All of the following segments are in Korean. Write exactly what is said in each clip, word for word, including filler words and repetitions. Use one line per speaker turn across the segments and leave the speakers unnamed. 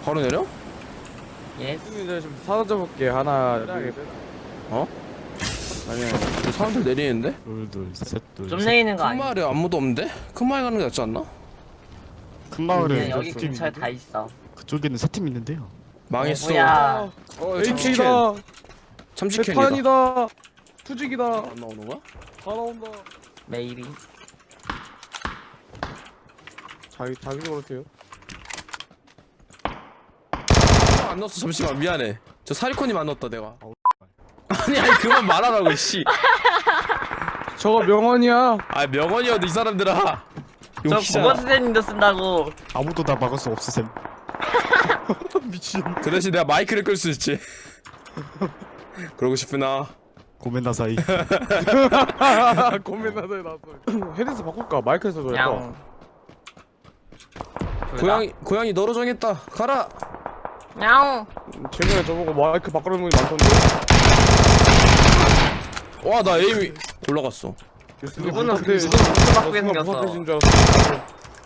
바로 내려?
예스.
이제 좀 사라져볼게. 하나, 둘.
어? 아니야. 사람들 내리는데?
둘둘셋둘
좀 내리는 거
큰
아니야?
마을에 아무도 없는데? 큰 마을 가는 게 낫지 않나?
큰
그냥
마을에
여기
두 팀
근처에
있는데?
다 있어.
그쪽에는 세 팀 있는데요.
망했어.
뭐야?
어, 참치캔.
에이케이다.
참치캔이다.
대탄이다. 투직이다.
안 나오는 거야?
다 나온다.
메이비.
자기 자기 그렇대요.
안 넣었어. 잠시만 미안해. 저 사리코님 안 넣었다 내가. 아니 아니 그만 말하라고 씨.
저거 명언이야.
아 명언이어도 이 사람들아.
저
용기잖아.
국어 선생님도 쓴다고.
아무도 다 막을 수 없으셈.
미친.
그 대신 내가 마이크를 끌 수 있지. 그러고 싶으나.
고멘나사이.
고민나서에 나왔어. 헤드셋 바꿀까? 마이크에서 도
양.
할까?
고양이 고양이 너로 정했다. 가라.
냥.
최근에 저보고 마이크 바꾸는 분이 많던데.
와 나 에임이 올라갔어.
누구는
근데
무슨 바꾸게 생겼어.
무섭해진 줄 알았어.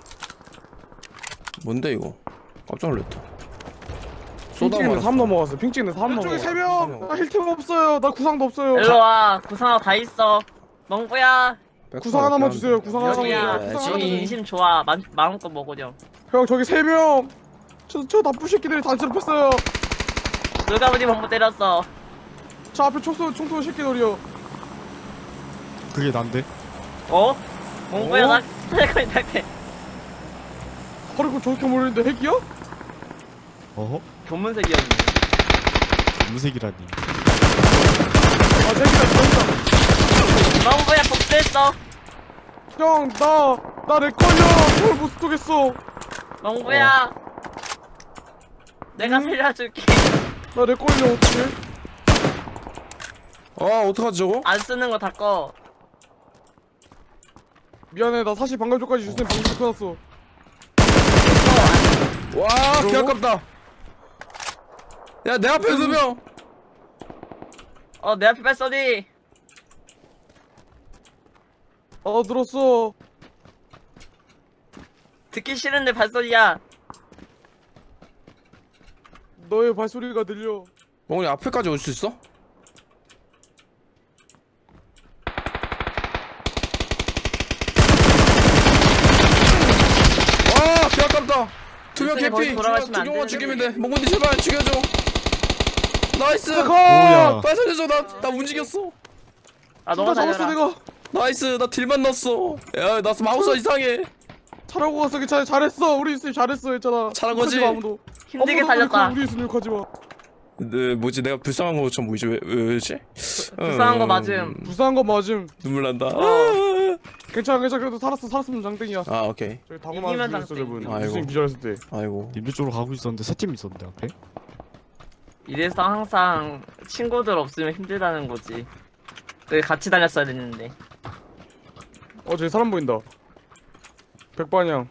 뭔데 이거? 깜짝 놀랐다.
핑
쏟아
찍는데
말았어.
삼 넘어갔어. 핑 찍는데 삼 넘어갔어. 저기 세 명. 나 힐템 없어요. 나 구상도 없어요.
일로 와. 구상하고 다 있어. 멍부야.
구상 하나만 주세요. 구상 하나만.
여기야.
구상 하나만
여기
주세요.
인심 좋아. 마, 마음껏 먹으렴.
형 저기 세 명. 저, 저 나쁜 새끼들이 단체롭했어요.
누가 우리 멍부 때렸어.
저 앞에 총쏘 총쏘 새끼들이요.
그게 난데.
어? 멍부야
어?
나 살고 있다게.
허리고 저렇게 모르는데 핵이야?
어허?
교문색이었네.
무색이라니.
아 핵이다.
멍부야 복수했어.
형, 나, 나 내 걸려. 그걸 못 쏘겠어.
멍부야. 내가 살려줄게.
나 내 걸려, 어떡해?
아 어떡하지 저거?
안 쓰는 거 다 꺼.
미안해, 나 사실 방금 전까지 유선이 방금 끊었어.
와 개 아깝다. 야 내 앞에 두 명.
어, 내 앞에 발소리.
아, 들었어.
듣기 싫은데 발소리야.
너의 발소리가 들려.
멍이 앞에까지 올 수 있어? 와, 개 아깝다. 두 명
일선이 거기
개피.
돌아가시면 안
두명만
되는데.
죽이면 돼. 멍군이 제발 죽여줘. 나이스.
뭐야?
빨리 살려줘. 나, 나 움직였어.
아,
누가
너가
잡았어,
살려라.
내가.
나이스. 나 딜만 넣었어. 야, 나 마우스 이상해.
잘하고 갔어, 괜찮아. 잘했어. 우리 유선이 잘했어, 했잖아.
잘한
욕하지
거지?
마, 아무도.
힘들게
아무도
살렸다.
우리 유선이 욕하지 마.
네, 뭐지? 내가 불쌍한 것처럼 보이지? 왜, 왜, 왜지?
불쌍한 거
음,
맞음.
불쌍한 건 맞음.
눈물 난다.
괜찮아, 괜찮아. 그래도 살았어, 살았으면 장땡이야.
아, 오케이.
저기 다구만
이기면
죽였어,
장땡.
저분.
아이고.
유선이 기절했을 때.
아이고.
님들 쪽으로 가고 있었는데 세 팀 있었는데 앞에.
이래서 항상 친구들 없으면 힘들다는 거지. 여기 같이 다녔어야 됐는데.
어, 저기 사람 보인다. 백반향.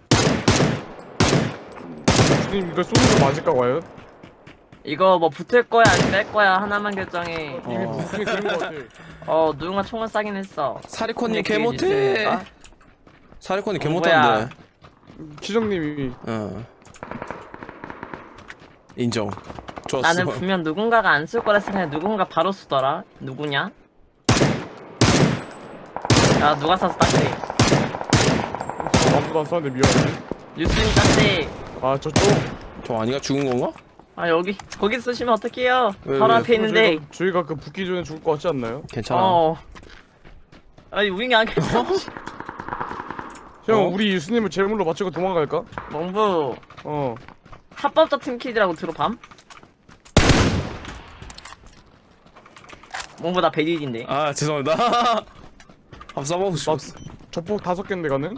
주님 이거 쏘는 거 맞을까 과연?
이거 뭐 붙을 거야 안 뺄 거야 하나만 결정해.
이미
어.
무슨 되는 거 같아.
어 누군가 총을 쏴긴 했어.
사리코님 개
근데 그게
못해.
있을까?
사리코님 개
어,
못한데.
기정님이
어. 인정. 좋았어.
나는 분명 누군가가 안 쓸 거라 생각해. 누군가 바로 쏘더라. 누구냐? 야 누가 쐈어 딱지.
아무도 안 쏘는데 미안해.
뉴스님 딱지.
아 저쪽.
저 아니가 죽은 건가?
아 여기 거기 쓰시면 어떡해요?
왜,
바로
왜?
앞에 있는데.
저희가, 저희가 그 붙기 전에 죽을 것 같지 않나요?
괜찮아.
어. 아니 우잉이 안 괜찮아.
형
어?
우리 유수님을 제물로 맞추고 도망갈까?
멍부
어.
합법자 팀킬이라고 들어밤? 멍부 나 베리딘데.
아 죄송합니다. 한번 써보고
나
싶었어.
저폭 다섯 개인데 가는?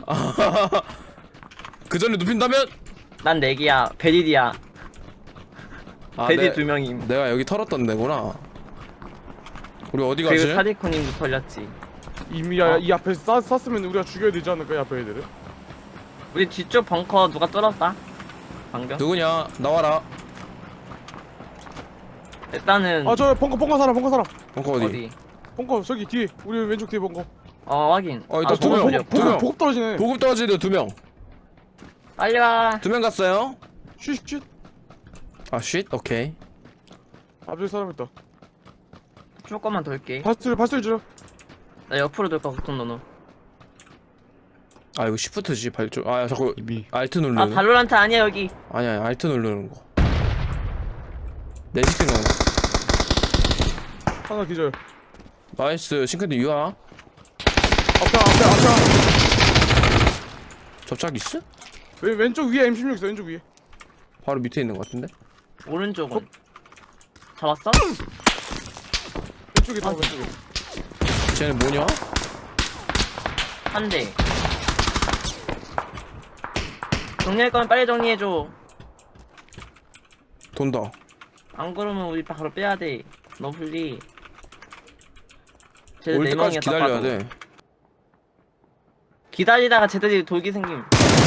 그 전에 눕힌다면?
난 내기야. 베리디야.
아,
베리
내-
두 명임.
내가 여기 털었던 데구나. 우리 어디 가지?
그리고 사디코님도 털렸지.
이미
어.
야, 이 앞에 쐈, 쐈으면 우리가 죽여야 되지 않을까 이 앞에 애들을?
우리 뒤쪽 벙커 누가 뚫었다? 방금?
누구냐? 나와라.
일단은
아 저 벙커 벙커 사람 벙커 사람.
벙커 어디?
어디?
벙커 저기 뒤에 우리 왼쪽 뒤에 벙커.
어 확인.
어,
아,
이따 두
저거
명.
소리야.
두 명.
보급 보급 떨어지네.
보급 떨어지는 두 명.
빨리 와.
두 명 갔어요.
쉿쉿.
아 쉿? 오케이.
앞에 사람 있다.
조금만 돌게.
발소리 발소리 줄여.
나 옆으로 돌까 걱정 너는.
아 이거 시프트지 발조. 아 자꾸
이미
알트
아
누르는.
발로란트 아니야 여기.
아니야 아니, 알트 누르는 거. 내 시킨 거.
하나 기절.
나이스. 싱크대 유아.
앞에 앞에 앞에.
접착 있어?
왼 왼쪽 위에 엠 십육 있어. 왼쪽 위에.
바로 밑에 있는 거 같은데?
오른쪽은. 잡았어?
왼쪽에 다 왼쪽에.
쟤는 뭐냐?
한 대. 정리할 거면 빨리 정리해줘.
돈다.
안 그러면 우리 바로 빼야 돼. 너 풀리. 쟤들
올
네
때까지
명이야,
기다려야
딱 봐도.
돼.
기다리다가 쟤들이 돌기 생김.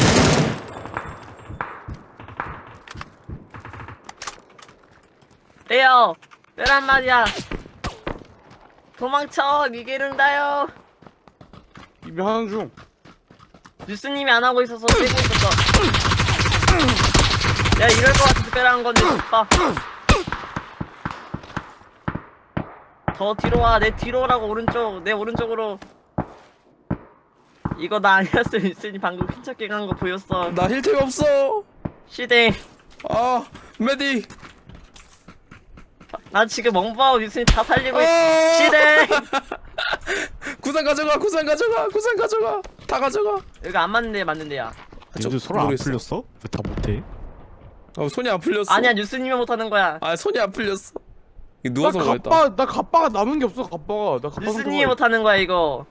빼요. 빼란 말이야. 도망쳐. 니게른다요.
이미 하는 중.
뉴스님이 안 하고 있어서 빼고 있었어. 야 이럴 것 같아서 빼라는 건데 오빠. 더 뒤로 와. 내 뒤로 오라고. 오른쪽. 내 오른쪽으로. 이거 나 아니었어. 뉴스님 방금 핀척게 간 거 보였어.
나 힐템 없어.
시댕.
아 메디.
나 지금 멍바오 뉴스님 다 살리고 있어.
아!
시댕.
구상 가져가. 구상 가져가. 구상 가져가. 다 가져가.
여기 안 맞는데 맞는데야.
요즘 손 안
모르겠어.
풀렸어? 왜 다 못해?
어 손이 안 풀렸어.
아니야 뉴스님이 못하는 거야.
아 손이 안 풀렸어. 이거
나
누워서 그랬다.
갑바 나 갑바가 남은 게 없어. 갑바가 나 갑바.
뉴스님이 못하는 거야 이거.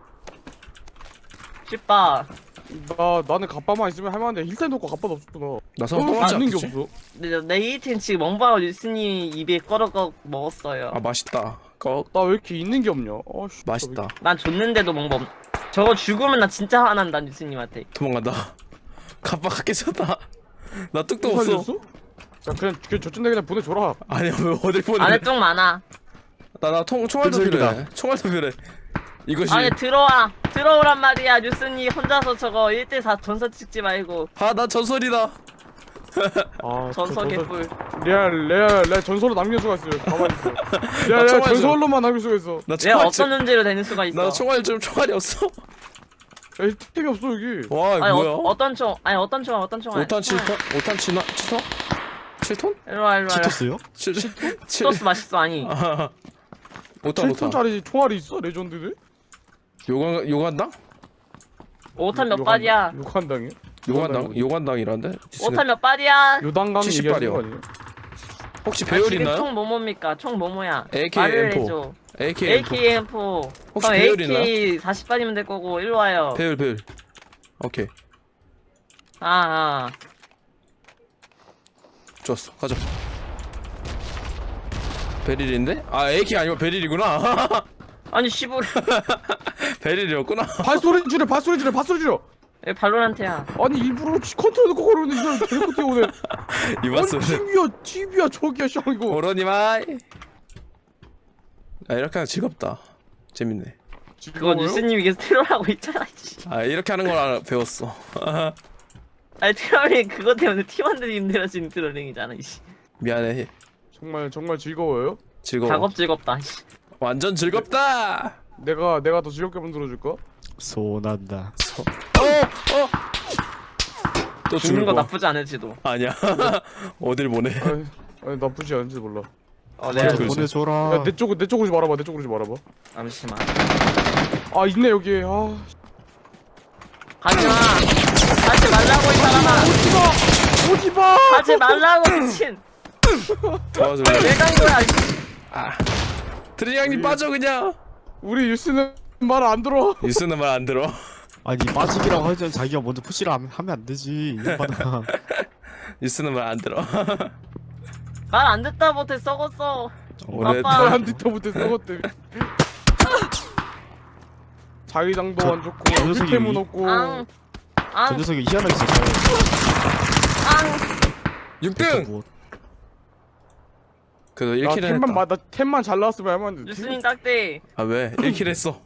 쉽다.
나 나는 갑바만 있으면 할만한데 힐템 놓고 갑바도 없었구나.
나 서로
어,
똑같지
있는 게
않겠지?
없어.
내, 내 이팀 지금 멍바오 뉴스님 입에 꺼럭꺼 먹었어요.
아 맛있다. 꺼
나 왜 이렇게 있는 게 없냐? 아씨.
맛있다.
난 줬는데도 멍바 없. 저거 죽으면 나 진짜 화난다 뉴스님한테.
도망간다. 갑바가 깨졌다. 나 뚝도
또
없어.
살렸어? 야 그냥 그냥 저쯤 되 그냥 보내줘라.
아니야 왜 어딜 보내?
안에 똥 많아.
나나통 총알도
끈질기다.
필요해. 총알도 필요해. 이것이
안에 들어와. 들어오란 말이야. 뉴스님 혼자서 저거 일 대 사 전설 찍지 말고.
아나 전설이다.
아
전설 개뿔.
레알 레알 레알 전설로 남길 수가 있어요. 가만히 있어. 레알 레알
총알 좀.
전설로만 남길 수가 있어.
나
내가
총알
어떤
좀.
존재로 되는 수가 있어.
나 총알 좀 총알이 없어.
야 힐템이 없어 여기.
와 이거
아니
뭐야?
어, 어떤 총? 아니 어떤 총? 어떤 총?
오 탄 칠 톤? 오 탄 칠 톤? 칠 톤? 칠 톤?
일로와 일로와.
치토스요?
칠 칠?
치토스 맛있어 아니.
아, 오 탄 오 탄.
칠 톤짜리 총알이 있어 레전드들?
요관 요관당?
오탄 몇 발이야?
요간당이요?
요관당 요관당이란데?
오탄 몇 발이야?
요단강
칠십
얘기하는 거
발이요.
아니에요?
혹시
아,
배율
지금
있나요?
총 뭐뭡니까? 총 뭐뭐야?
에이케이
말을
엠 포.
해줘.
에이케이 엠 포.
에이케이 엠 포.
혹시
그럼
배율
에이케이 사십 발이면 될 거고 일로 와요.
배율 배율. 오케이
아, 아.
좋았어 가자. 베릴인데? 아 에이케이 아니고 베릴이구나.
아니 씨발.
베릴이었구나.
발소리 줄여 발소리 줄여 발소리 줄여.
여기 발로란트야.
아니 일부러 치- 컨트롤 놓고 걸었는데 이걸 데리고 뛰어오네.
이봤어.
아니 티비야 티비야 저기야 씨 이거.
오로니마이. 아 이렇게 하면 즐겁다. 재밌네.
그거 뉴스님이 계속 트롤하고 있잖아. 씨.
아 이렇게 하는 걸 알아- 배웠어.
아니 트롤이 그거 때문에 팀원들이 힘들어지는 트롤링이잖아. 씨.
미안해.
정말 정말 즐거워요?
즐거워.
작업 즐겁다. 씨.
완전 즐겁다.
내가 내가 더 즐겁게 만들어줄까?
소난다.
어 어. 또
죽는
죽는
거
거
나쁘지 않을지도.
아니야. 어딜 보내?
아니, 아니 나쁘지 않은지 몰라.
어,
네.
내가
그러지.
보내줘라.
야 내 쪽으로 내 쪽으로 좀 말아봐 내 쪽으로 좀 말아봐.
잠시만.
아 있네 여기. 아
가지마. 하지 말라고 이 사람아.
오지마 오지마.
하지 말라고 미친.
도와줘.
왜 간 거야? 씨.
아. 트리양님
우리-
빠져 그냥.
우리 유스는 말 안 들어.
유스는 말 안 들어.
아니 빠지기라고 하지 자기가 먼저 푸시를 하면, 하면 안 되지. 이거나.
유스는 말 안 들어.
말 안 듣다 못해 썩었어.
원래
아빠.
다-
한 뒤터 못해 썩었대. 자기장도
저-
안 좋고
저 녀석이
힐템은
위-
없고.
앙.
저
앙.
녀석이 희한하게 있었어요.
앙.
육 등.
뭐,
그래도
나
일 킬
템만
했다.
마, 나 템만 잘 나왔으면 할만한데.
뉴스님 딱대.
아 왜? 일 킬 했어.